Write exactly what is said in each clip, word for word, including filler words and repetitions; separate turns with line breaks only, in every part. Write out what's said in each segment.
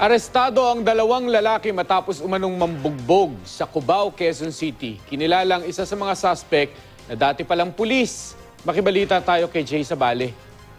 Arestado ang dalawang lalaki matapos umanong mambugbog sa Cubao, Quezon City. Kinilalang isa sa mga suspect na dati palang pulis. Makibalita tayo kay Jay Sabale.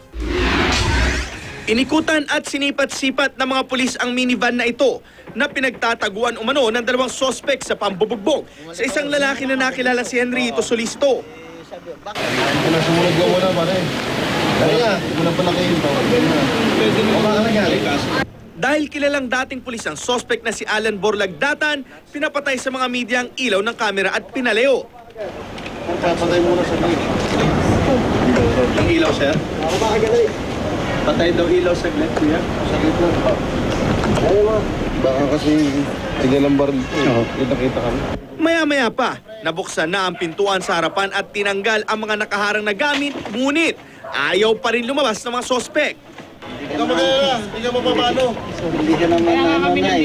Inikutan at sinipat-sipat ng mga pulis ang minivan na ito na pinagtataguan umano ng dalawang suspect sa pambubugbog sa isang lalaki na nakilala si Henrito Solicito.
Wala, sumunod ka muna, pare. Dali nga, muna pala kayo. Pwede mo ka nangyari kaso.
Dahil kilalang dating pulis ang suspect na si Alan Borlagdatan, pinapatay sa mga media ang ilaw ng kamera at pinaleo.
Papatay muna sa gate.
Yung ilaw, sir?
Ako ba kagalit?
Patay daw ilaw sa gate, kuya?
Sa gate lang pa. Ayaw mo. Baka kasi tigil ang baril ko. Kita-kita kami.
Maya-maya pa, nabuksan na ang pintuan sa harapan at tinanggal ang mga nakaharang na gamit, ngunit ayaw pa rin lumabas ng mga suspect.
Hindi ka magkaya, hindi ka mapapano.
Hindi ka naman nanay.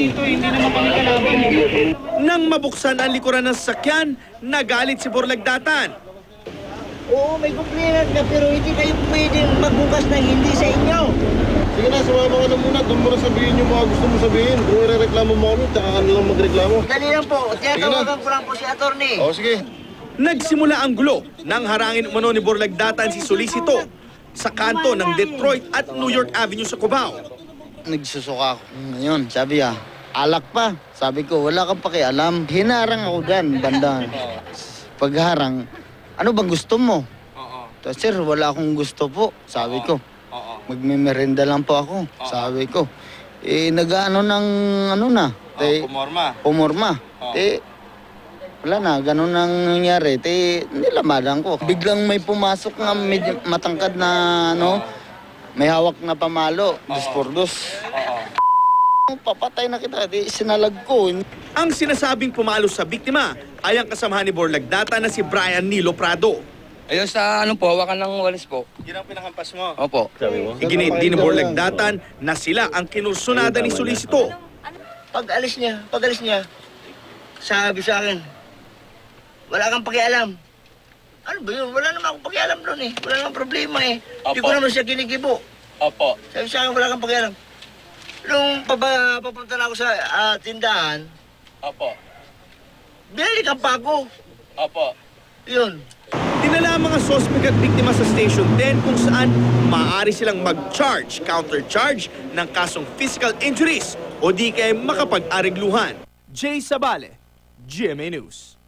Nang mabuksan ang likuran ng sasakyan, nagalit si Borlagdatan.
Oo, may kumplinan na pero hindi kayo pwedeng magbukas ng hindi sa inyo.
Sige na, sumama ka na muna. Doon mo na sabihin yung mga gusto mo sabihin. Kung irereklamo mo kami, tsaka ka nalang magreklamo.
Dali lang po, tinatawagan ko lang po si attorney.
Oo, sige.
Nagsimula ang gulo nang harangin umano ni Borlagdatan si Solicito sa kanto ng Detroit at New York Avenue sa Cubao.
Nagsusuka ako. Ngayon, sabi ah, alak pa. Sabi ko, wala kang pakialam. Hinarang ako dyan, banda. Pagharang, ano bang gusto mo? Tapos, sir, wala akong gusto po. Sabi ko, magmimerenda lang po ako. Sabi ko, eh, nag-ano ng, ano na. Te,
Pumorma.
Pumorma. Eh, wala na, ganun ang nangyari. Te, nilamadan ko. Biglang may pumasok na medyo matangkad na, ano, may hawak na pamalo, dos por dos. Papatay na kita, di sinalag ko.
Ang sinasabing pumalo sa biktima ay ang kasamahan ni Borlagdatan na si Brian Nilo Prado.
Ayun sa ano po, hawakan ng walis po.
Yun ang pinakampas mo.
Opo.
Iginit din ni Borlagdatan na sila ang kinursunada ni Solicito.
Pag alis niya, pag alis niya, sabi sa akin, wala kang pakialam. Ano ba yun? Wala naman akong pakialam doon eh. Wala namang problema eh. Hindi ko
Opo.
naman siya kinikibo.
Opo.
Sabi sa akin, wala kang pakialam. Nung paba, papunta na ako sa ah, tindahan,
Opo.
binalikan pa ako.
Opo.
Yun.
Dinala ang mga suspect at biktima sa Station ten kung saan maaari silang mag-charge, counter-charge ng kasong physical injuries o di kaya makapag-arigluhan. Jay Sabale, G M A News.